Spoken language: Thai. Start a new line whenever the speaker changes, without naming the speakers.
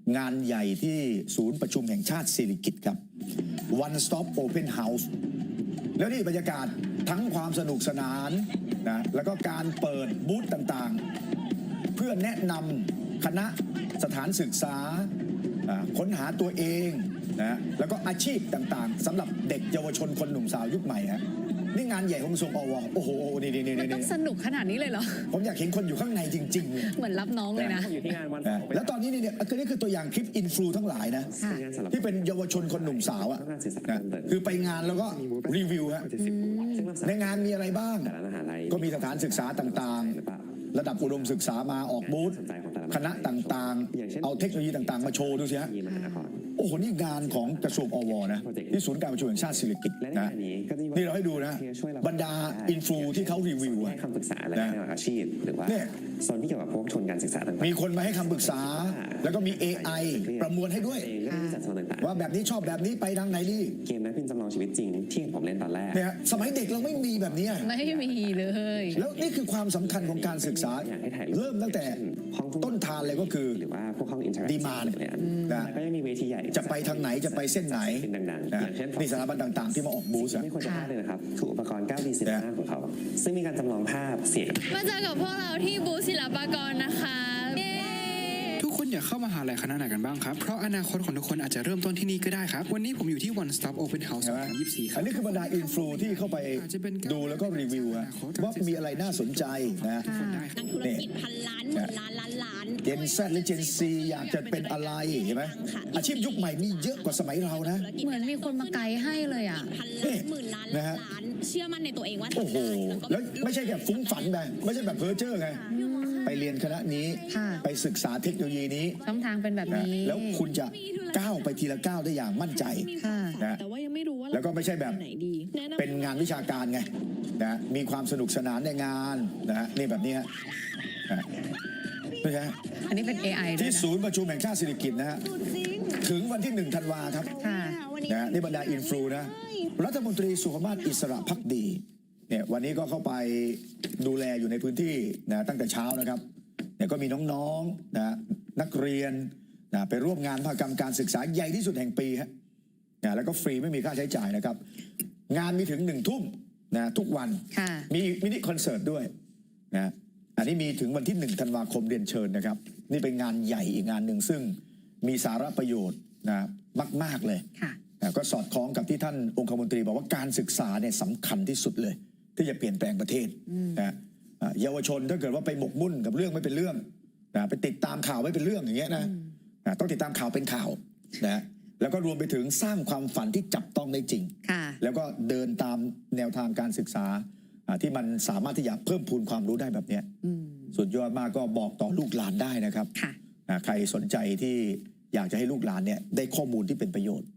งานใหญ่ที่ศูนย์ประชุมแห่งชาติสิริกิติ์ครับ One Stop Open House แล้วนี่บรรยากาศทั้งความสนุกสนานนะแล้วก็การเปิดบูธต่างๆเพื่อแนะนำคณะสถานศึกษาค้นหาตัวเองนะแล้วก็อาชีพต่างๆสำหรับเด็กเยาวชนคนหนุ่มสาวยุคใหม่ฮะนี่งานใหญ่ของกระทรวงอวโอ้โหนี่
มันต้องสนุกขนาดนี้เลยเหรอ
ผมอยากเห็นคนอยู่ข้างในจริงๆ
เหมือนรับน้องเลยนะ
อยู่ที่งานวัน
แล้วตอนนี้เนี่ยนี่คือตัวอย่างคลิปอินฟลูทั้งหลายนะที่เป็นเยาวชนคนหนุ่มสาวอ่ะคือไปงานแล้วก็รีวิวฮะในงานมีอะไรบ้างก็มีสถานศึกษาต่างๆระดับอุดมศึกษามาออกบูธคณะต่างๆเอาเทคโนโลยีต่างๆมาโชว์ดูสิฮะโอ้โหนี่งานของกระทรวงอวนะที่ศูนย์การประชุมแห่งชาติสิริกิติ์นะนี่เราให้ดูนะบรรดาอินฟลูที่เขารีวิว
ให้คำปรึกษาอะไรในอาชีพหรือว่าโซนที่เกี่ยวกับพวกทุนการศึกษาต่างๆ
มีคนมาให้คำปรึกษาแล้วก็มี AI ประมวลให้ด้วยว่าแบบนี้ชอบแบบนี้ไปทางไหนดี
เกมนั้นเป็นจำลองชีวิตจริงที่ผมเล่นตอนแรก
เนี่ยสมัยเด็กเราไม่มีแบบนี้
ไม่มีเลย
แล้วนี่คือความสำคัญของการศึกษาเริ่มตั้งแต่ต้นทานเลยก็คือ
หรือว่าพวกห้องอินเทอร์
ดีมาน
นะก็ยังมีเวทีใหญ่
จะไปทางไหนจะไปเส้นไหนนี่สถาบันต่างๆที่มาออกบูธ
ไม่ควรจะพลาดเลยนะครับคืออุปกรณ์ 9D Cinema ของเขาซึ่งมีการจำลองภาพเสียง
มาเจอกับพวกเราที่บูธศิลปากรนะคะ
ทุกคนอยากเข้ามหาลัยคณะไหนกันบ้างครับเพราะอนาคตของทุกคนอาจจะเริ่มต้นที่นี่ก็ได้ครับวันนี้ผมอยู่ที่ One Stop Open House 2024ครับ
อันนี้คือบรรดาอินฟลูที่เข้าไปดูแล้วก็รีวิวว่ามีอะไรน่าสนใจนะ
นักธุรกิจพันล้านหมื่นล้านล้าน
เจน Z หรือเจน C อยากจะเป็นอะไรเห็นไหมอาชีพยุคใหม่มีเยอะกว่าสมัยเรานะ
เหมือนมีคนมาไกด์ให้เลยอ่ะ
พันล้านหมื่นล้านล้านเชื่อมั่นในตัวเองว่า
โอ้โหแล้วไม่ใช่แค่ฟุ้งฝันไปไม่ใช่แบบเพ้อเจ้อไงไปเรียนคณะนี้ไปศึกษาเทคโนโลยีนี้
ช่องทางเป็นแบบนี้
แล้วคุณจะก้าวไปทีละก้าวได้อย่างมั่นใจ
นะแต่ว่ายังไม่รู้ว่า
แล้วก็ไม่ใช่แบบเป็นงานวิชาการไงนะมีความสนุกสนานในงานนะนี่แบบนี้ฮะนี่ฮะ
อันนี้เป็น AI
ที่ศูนย์ประชุมแห่งชาติสิริกิติ์นะฮะถึงวันที่1 ธันวาครับนะนี่บรรดาอินฟลูนะรัฐมนตรีสุขภาพอิสระภักดีเนี่ยวันนี้ก็เข้าไปดูแลอยู่ในพื้นที่นะตั้งแต่เช้านะครับเนี่ยก็มีน้องๆนะนักเรียนนะไปร่วมงานมหกรรมการศึกษาใหญ่ที่สุดแห่งปีฮะนะแล้วก็ฟรีไม่มีค่าใช้จ่ายนะครับงานมีถึง1 ทุ่มนะทุกวันมีมินิคอนเสิร์ตด้วยนะอันนี้มีถึงวันที่1 ธันวาคมเรียนเชิญนะครับนี่เป็นงานใหญ่อีกงานหนึ่งซึ่งมีสาระประโยชน์นะมากๆเลยนะก็สอดคล้องกับที่ท่านองคมนตรีบอกว่าการศึกษาเนี่ยสำคัญที่สุดเลยที่จะเปลี่ยนแปลงประเทศนะเยาวชนถ้าเกิดว่าไปหมกมุ่นกับเรื่องไม่เป็นเรื่องนะไปติดตามข่าวไม่เป็นเรื่องอย่างเงี้ยนะต้องติดตามข่าวเป็นข่าวนะแล้วก็รวมไปถึงสร้างความฝันที่จับต้องได้จริงแล้วก็เดินตามแนวทางการศึกษาที่มันสามารถที่จะเพิ่มพูนความรู้ได้แบบนี้สุดยอดมากก็บอกต่อลูกหลานได้นะครับใครสนใจที่อยากจะให้ลูกหลานเนี่ยได้ข้อมูลที่เป็นประโยชน์